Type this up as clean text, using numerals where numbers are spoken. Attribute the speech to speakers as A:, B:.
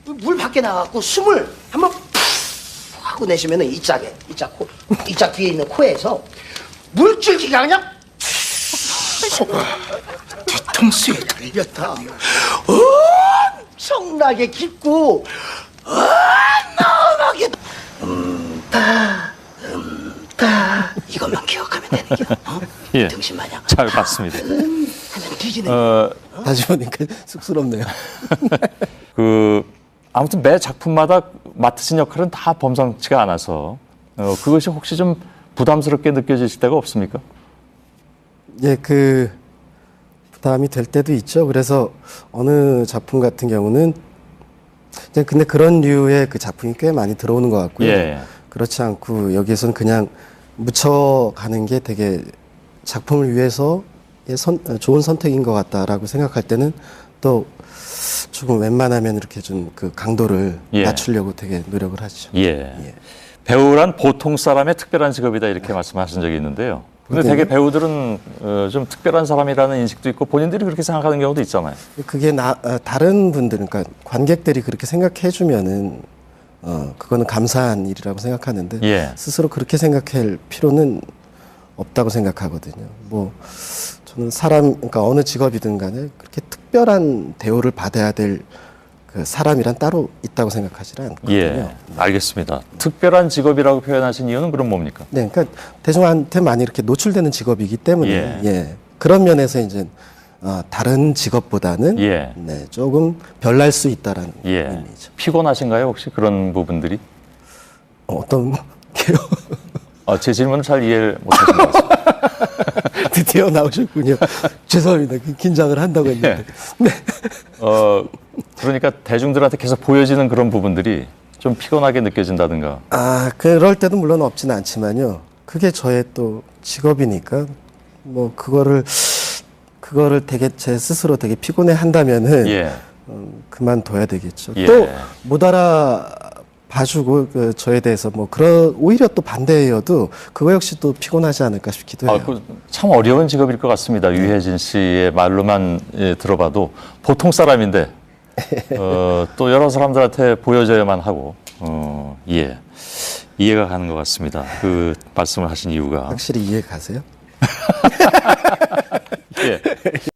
A: 물 밖에 나가고 숨을 한번 푹 하고 내쉬면은 이 짝 뒤에 있는 코에서 물줄기가 그냥 뒤통수에 달렸다. 엄청나게 깊고 어마어마하게 이것만 기억하면 되는 게
B: 예.
A: 등신 마냥
B: 잘 봤습니다.
A: 하면 뒤지네.
C: 다시 보니까 쑥스럽네요.
B: 아무튼 매 작품마다 맡으신 역할은 다 범상치가 않아서 그것이 혹시 좀 부담스럽게 느껴지실 때가 없습니까?
C: 예, 부담이 될 때도 있죠. 그래서 어느 작품 같은 경우는 근데 그런 류의 그 작품이 꽤 많이 들어오는 것 같고요.
B: 예.
C: 그렇지 않고 여기에서는 그냥 묻혀가는 게 되게 작품을 위해서 좋은 선택인 것 같다라고 생각할 때는 또 조금 웬만하면 이렇게 좀 그 강도를
B: 예.
C: 낮추려고 되게 노력을 하죠.
B: 예. 배우란 보통 사람의 특별한 직업이다 이렇게 말씀하신 적이 있는데요. 근데
C: 네.
B: 되게 배우들은 좀 특별한 사람이라는 인식도 있고 본인들이 그렇게 생각하는 경우도 있잖아요.
C: 그게 다른 분들, 그러니까 관객들이 그렇게 생각해 주면은 그거는 감사한 일이라고 생각하는데
B: 예.
C: 스스로 그렇게 생각할 필요는 없다고 생각하거든요. 뭐 저는 그러니까 어느 직업이든 간에 그렇게 특별한 대우를 받아야 될 그 사람이란 따로 있다고 생각하지 않거든요.
B: 예, 알겠습니다. 특별한 직업이라고 표현하신 이유는 그럼 뭡니까?
C: 네, 그러니까 대중한테 많이 이렇게 노출되는 직업이기 때문에
B: 예.
C: 그런 면에서 이제 다른 직업보다는
B: 예.
C: 네, 조금 별날 수 있다라는
B: 예.
C: 의미죠.
B: 피곤하신가요, 혹시 그런 부분들이?
C: 어떤 게요?
B: 제 질문을 잘 이해를 못하신 것 같습니다.
C: 드디어 나오셨군요. 죄송합니다. 긴장을 한다고 했는데. 네.
B: 그러니까 대중들한테 계속 보여지는 그런 부분들이 좀 피곤하게 느껴진다든가.
C: 그럴 때도 물론 없지는 않지만요. 그게 저의 또 직업이니까 뭐 그거를 되게 제 스스로 되게 피곤해 한다면은
B: 예.
C: 그만둬야 되겠죠.
B: 예.
C: 또 못 알아봐주고 저에 대해서 뭐 오히려 또 반대여도 그거 역시 또 피곤하지 않을까 싶기도 해요.
B: 참 어려운 직업일 것 같습니다. 유해진 씨의 말로만 들어봐도 보통 사람인데 또 여러 사람들한테 보여줘야만 하고 이해가 가는 것 같습니다. 그 말씀을 하신 이유가
C: 확실히 이해 가세요?
B: 예.